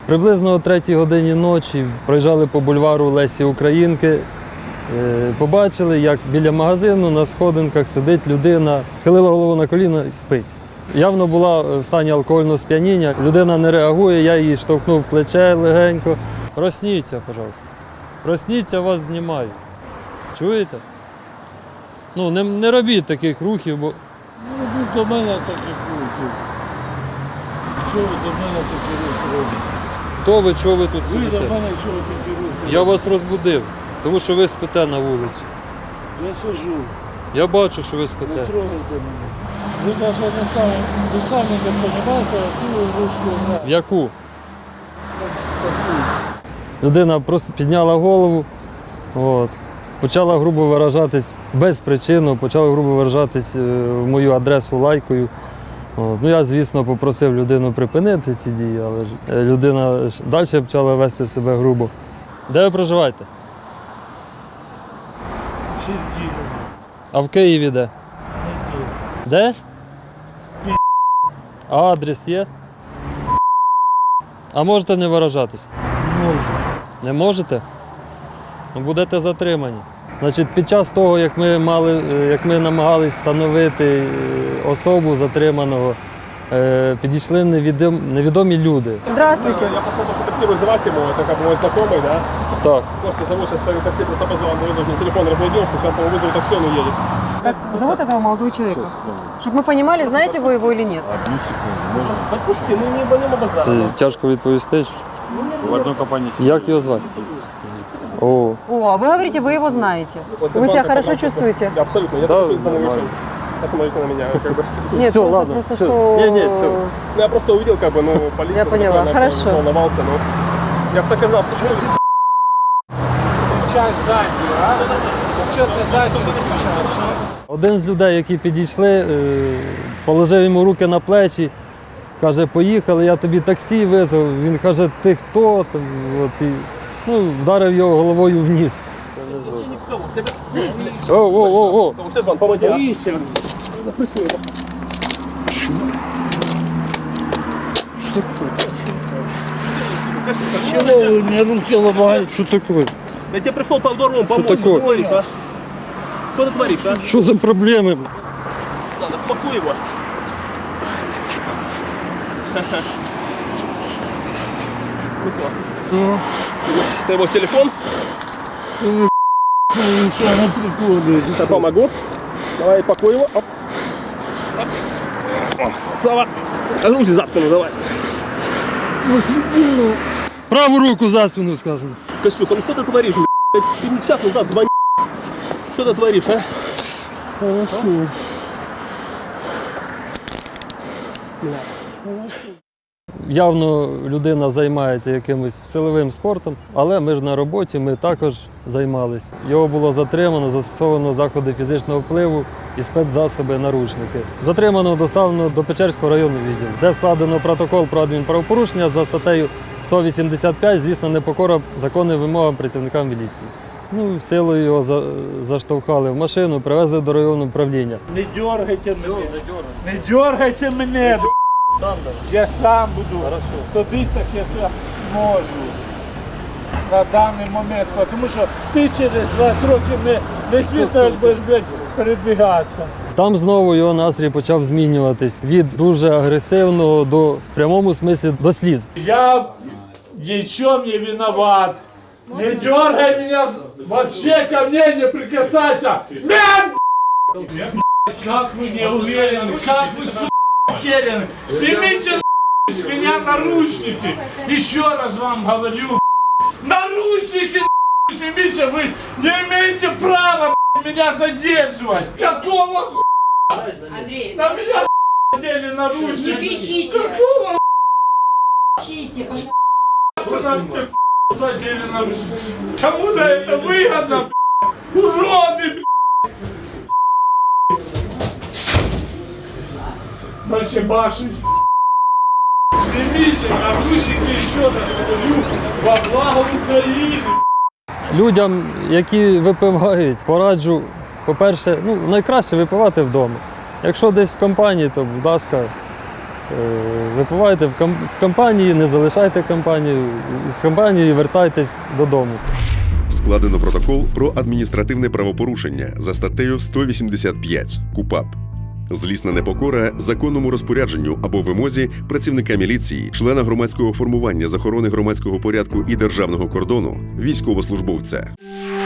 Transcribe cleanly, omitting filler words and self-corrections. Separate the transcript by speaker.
Speaker 1: Приблизно о 3-й годині ночі проїжджали по бульвару Лесі Українки, побачили, як біля магазину на сходинках сидить людина, схилила голову на коліна і спить. Явно була в стані алкогольного сп'яніння, людина не реагує, я її штовхнув в плече легенько. Просніться, пожалуйста. Просніться, вас знімаю. Чуєте? Ну, не робіть таких рухів, бо...
Speaker 2: Не робіть до мене таких рухів. Чого ви до мене такі рухи робите?
Speaker 1: Хто ви, чого ви тут
Speaker 2: Ви
Speaker 1: сидите?
Speaker 2: до мене чого такі рухи?
Speaker 1: Я вас розбудив, тому що ви спите на вулиці.
Speaker 2: Я сижу.
Speaker 1: Я бачу, що ви
Speaker 2: Не
Speaker 1: спите.
Speaker 2: трогайте мене. Ви навіть ви самі не розумієте, яку ручку знаю.
Speaker 1: Яку? Людина просто підняла голову, почала грубо виражатись без причини, почала грубо виражатись в мою адресу лайкою. Ну, я, звісно, попросив людину припинити ці дії, але ж людина далі почала вести себе грубо. Де ви проживаєте?
Speaker 2: Сергій.
Speaker 1: А в Києві де? Де? А адрес є? А можете не виражатись?
Speaker 2: Можу.
Speaker 1: Не можете? Ну, будете затримані. Значить, під час того, як ми намагались встановити особу затриманого, підійшли невідомі люди.
Speaker 3: Здравствуйте.
Speaker 4: Я пошел просто такси вызывать ему, это как бы мой знакомый, да?
Speaker 1: Так.
Speaker 4: Просто зову, сейчас ставит такси, просто позвал, вызвать, мне телефон разрядился, сейчас его вызову такси, он уедет.
Speaker 3: Как зовут этого молодого человека? Чтобы мы понимали, знаете вы его или нет.
Speaker 5: Одну секунду, можно?
Speaker 4: Отпусти, ну не базар.
Speaker 1: Це тяжко відповісти.
Speaker 5: В одной компании
Speaker 1: Як його звати? О,
Speaker 3: О, а вы говорите, вы его знаете.
Speaker 4: После
Speaker 3: Вы себя
Speaker 4: банка
Speaker 3: хорошо
Speaker 4: потом
Speaker 3: чувствуете?
Speaker 4: Да, абсолютно, я
Speaker 1: Да,
Speaker 4: только из дома
Speaker 1: нормально.
Speaker 4: вышел. Посмотрите на меня, как бы.
Speaker 3: Нет,
Speaker 1: Всё,
Speaker 3: просто,
Speaker 1: ладно,
Speaker 3: просто
Speaker 1: всё.
Speaker 3: что...
Speaker 1: Не, всё.
Speaker 4: Ну, я просто увидел, как бы, ну, полиция.
Speaker 3: Я поняла,
Speaker 4: такой,
Speaker 3: хорошо.
Speaker 4: волновался, ну. Я же так и знал, что люди.
Speaker 2: Включаєш задню, а? Якщо ти задню не включаєш, а?
Speaker 1: один з людей, які підійшли, положив йому руки на плечі, каже, поїхали, я тобі таксі визвав. Він каже, ти хто? І, вдарив його головою в ніс. О!
Speaker 4: Стефан, помоги.
Speaker 2: Боїшся? Чого ви мені руки ламаєте?
Speaker 1: Що таке?
Speaker 4: Я тебе пришел по здоровому помочь.
Speaker 1: такое?
Speaker 4: Что ты творишь, а? Что ты творишь, а?
Speaker 1: Що за проблеми?
Speaker 4: Надо, пакуй его. Это его телефон?
Speaker 2: Що не приколюєте?
Speaker 4: Я помогу. Давай, пакуй его. Оп. Оп. О, Сава. А руки за спину давай.
Speaker 1: Праву руку за спину сказано.
Speaker 4: Костюк, ну что ты творишь, блядь? Ты мне час назад звонил. Что ты творишь, а?
Speaker 1: Явно людина займається якимось силовим спортом, але ми ж на роботі, ми також займалися. Його було затримано, застосовано заходи фізичного впливу і спецзасоби, наручники. Затримано доставлено до Печерського районного відділу, де складено протокол про адмінправопорушення за статтею 185 «Злісна непокора законним вимогам працівникам міліції». Силою його заштовхали в машину, привезли до районного управління.
Speaker 2: Не дергайте мене. Не дергайте мене. Я сам буду ходити так, як я можу на даний момент, тому що ти через 20 років не звісно, як будеш, блядь, передвигатися.
Speaker 1: Там знову його настрій почав змінюватись від дуже агресивного до, в прямому смислі, до сліз.
Speaker 2: Я ни в чем не виноват. Не дергай меня, вообще ко мне не прикасайся. Как вы не уверены, как вы, уверены. Снимите с меня наручники. Еще раз вам говорю. Наручники снимите, вы не имеете права меня задерживать. Какого
Speaker 6: Андрей,
Speaker 2: на меня надели наручники?
Speaker 6: не кричите,
Speaker 2: Какого
Speaker 6: кричите,
Speaker 2: вы задели наручники? Кому-то это выгодно, уроды, Баши. Снимите наручники еще раз говорю во благо України.
Speaker 1: Людям, які випивають, пораджу, по-перше, найкраще випивати вдома. Якщо десь в компанії, то, будь ласка, Випивайте в компанії, не залишайте компанію, з компанією вертайтесь додому.
Speaker 7: Складено протокол про адміністративне правопорушення за статтею 185 КУпАП. Злісна непокора законному розпорядженню або вимозі працівника міліції, члена громадського формування з охорони громадського порядку і державного кордону, військовослужбовця.